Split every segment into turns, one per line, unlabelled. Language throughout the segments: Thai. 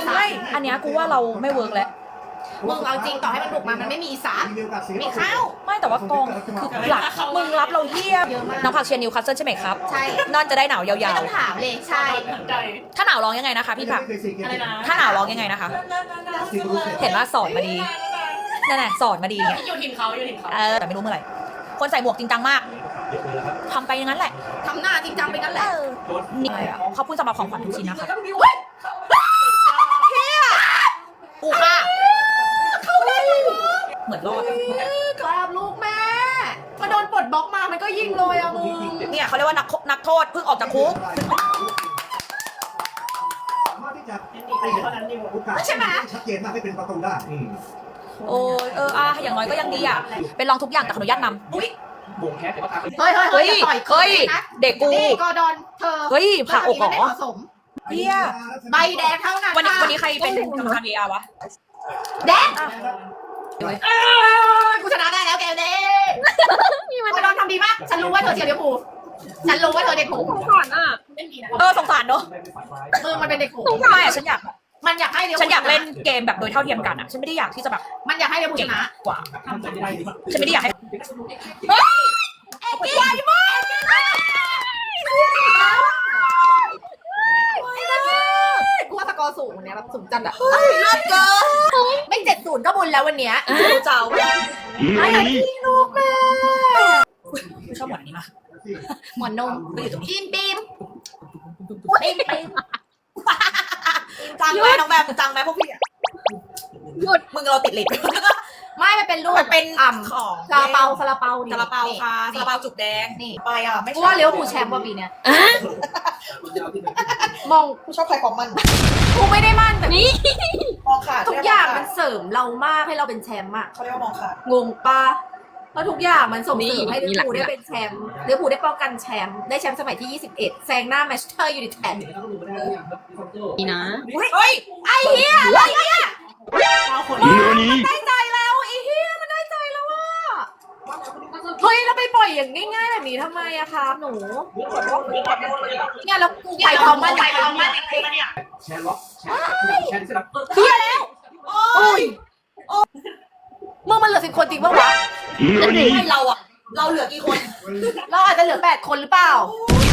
ไม่อันเนี้ยกูว่าเราไม่เวิร์กแล้ว
มึงเอาจริงต่อให้มันบุกมามันไม่มีอีสานมีข้าว
ไม่แต่ว่ากองคือหลักมึงรับเราเยี่ยมน้องผักเชียร์นิวคาสเซิลใช่ไหมครับ
ใช่
นอนจะได้หนาวยาว
ไม่ต้องถามเลยใช่
ๆถ้าหนาวร้องยังไงนะคะพี่ผักถ้าหนาวร้องยังไงนะคะเห็นว่าสอนมาดีนั่นแหละสอนมาดีเนี่ย
อยู่ถิ่นเขา
แต่ไม่รู้เมื่อไหร่คนใส่หมวกจริงจังมากทำไปอย่างนั้นแหละ
ทำหน้าจริงจังไปงั้นแหละ
นี่ขอบคุณสำหรับของขวัญทุกชิ้นนะคะกูค่ะเหมือนรอด
กราบลูกแม่มาโดนปลดบล็อกมามันก็ยิงเลยอะมึง
เนี่ยเขาเรียกว่านักโทษเพิ่งออกจากคุก
ใช่ไหม
ชัดเจนมากให้เป็นประตูได้
โอ้ยอย่างน้อยก็ยังดีอ่ะเป็นลองทุกอย่างแต่ขออนุญาตนำอุ้ย
เฮ้ยต่อย
เด็กกู
ก็โดนเธอ
เฮ้ยผ่าอกเหรอ
เฮียใบแดงเท่านั้น
วันนี้ใครเป็นกรรมการ VR วะ
แดงกูชนะได้แล้วแกเด้มาโดนทำดีมากฉันรู้ว่าเธอเชียร์เดฟูฉันรู้ว่าเธอเด็กผู
สงสารอ่ะสงสารเนอะ
มันเป็นเด็กผู
ไม่ฉันอยาก
มันอยากให้
ฉันอยากเล่นเกมแบบโดยเท่าเทียมกันอ่ะฉันไม่ได้อยากที่จะแบบ
มันอยากให้เดฟูชนะ
กว่าฉันไม่ได้อยากให้
ใหญ่มากกูว่าสกอร์สูงวันนี้แบบสูงจัดอ่ะเลิศเกินไม่70ก็บุญแล้ววันนี้
เจ้า
ไอ้พี่ลูกแม่
ไม่ชอบหมอนนี้มาก
หมอนนม
ไม่อยู่ตรงนี้
ปีม
จังไหมน้องแบบจังไหมพวกพี่หยุดมึงเราติดลิฟต์
ไม่มันเป็นลูก
มันเป็น
ของซาลาเปา
ซาลาเปาค่ะซาลาเปาจุกแดง
นี่
ไปอ่ะไม่
ใช่ว่าเลี้ยวผูแชมป์ว่าปีเนี้ยมอง
กูชอบใครของมัน
กูไม่ได้มั่นแต่
นี่มองขาด
ทุกอย่างมันเสริมเรามากให้เราเป็นแชมป์อ่ะ
เขาเรียกว่ามองขาด
งงปะแล้วทุกอย่างมันส่งเสริมให้เลี้ยวผูได้เป็นแชมป์เลี้ยวผูได้ป้องกันแชมป์ได้แชมป์สมัยที่21แซงหน้าแมนเชสเตอร์ยูไนเต็ด
นี่นะ
เฮ้ยไอ้เหี้ยอะไรเนี่ยมันได้ใจแล้วไอ้เหี้ยมันได้ใจแล้วว่ะเฮ้ยเราไปปล่อยอย่างง่ายๆแบบนี้ทำไมอะครับหนูเนี่ยเรากูไปทำมัน
แชร์ล็อกแชร์
เฮียแล้วโอ้ยมึงมันเหลือ10 คนจริงปะวะ
ให้เราเหลือกี่คน
เราอาจจะเหลือ8 คนหรือเปล่า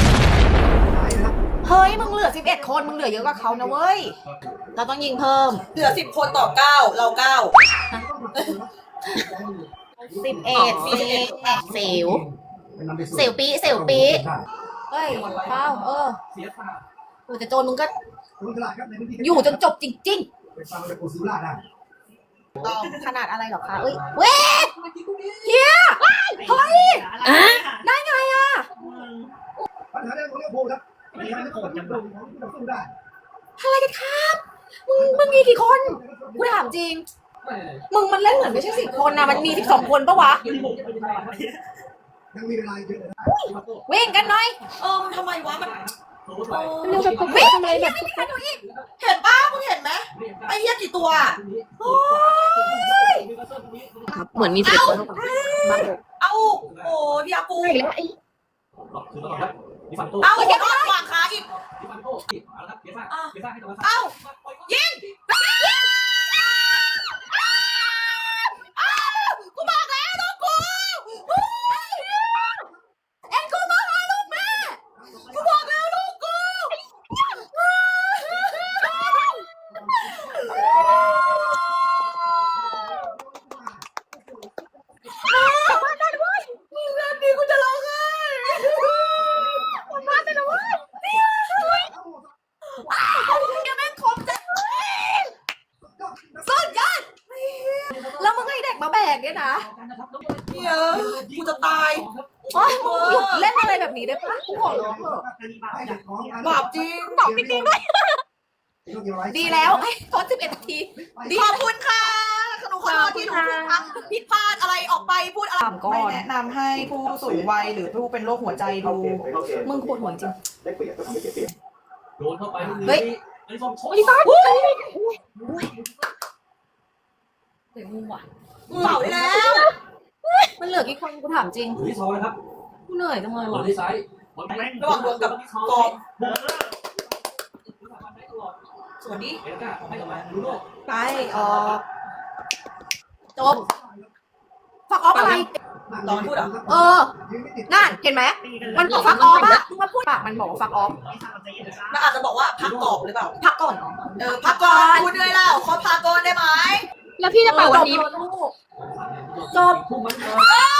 เฮ้ยมึงเหลือ11 คนมึงเหลือเยอะกว่าเขานะเว้ยเราต้องยิงเพิ่ม
เหลือ10 คนต่อ9เรา9
11เซลปีเฮ้ยเป้าแต่โจนมึงก็อยู่จนจบจริงๆขนาดอะไรหรอคะเอ้ยเว้ยเฮียเฮ้ยได้ไงอะอะไรกันครับมึงมีกี่คนกูถามจริงมึงมันเล่นเหมือนไม่ใช่10 คนนะมันมี12 คนปะวะวิ่งกันหน่อย
มันทำไมวะมัน
วิ่งทำไมแบบ
เห็นป้ามึงเห็นไหมไอ้เหี้ยกี่ตัว
เหมือนมี10 คน
เอาโอ้พี่อากู
เอา
ไอ้เหี้ยก็วางขาอีกเอายิงกูบอกแล้วลูกกู
เอ็นกูมาหาลูกแม่
กูบอกแล้วลูกกู
มาได้ด้วยมึงแบบนี้กูจะร้องไห้มาได้ด้วยยังแม่งคมจังเลยสุดยอดแล้วมึงให้เด็กมาแบกเนี่ยนะ
กูจะตาย
มึงหยุดเล่นอะไรแบบนี้ได้ปะกูขอร้องเถอะ
บาปจริง
ตอบจริงๆด้วยดีแล้วโทษ11 นาที
ขอบคุณค่ะหนูขอโทษที่หนูพูดผิดพลาดอะไรออกไปพูดอะไรไม่แนะนำให้ผู้สูงวัยหรือผู้เป็นโรคหัวใจดู
มึงปวดหัวจริง
โดนเข้าไป
เฮ้ย
ลิซ่าเฮ้ยมึงว่ะเผาได้แล้ว
มันเหลือกี่คนกูถามจริงกูเหนื่อยจังเลยว่ะ
ระหว่างรวมกับกองสวัสดี
เอลิก้าออกให้กลับมาลูโน่
ไปออกจบฟักออฟอะไร
ลองพูดเหรอ
นั่นเห็นไหมมันบอกฟักออฟอะมึงมาพูดปากมันบอกว่าฟักออฟ
มันอาจจะบอกว่าพักกรอบหรือเปล่า
พักก่อน
พักก่อนพูดด้วยแล้วขอพักก่อนได้ไหม
แล้วพี่จะเป่าวันนี้
จบ
คู่มัน
เอ้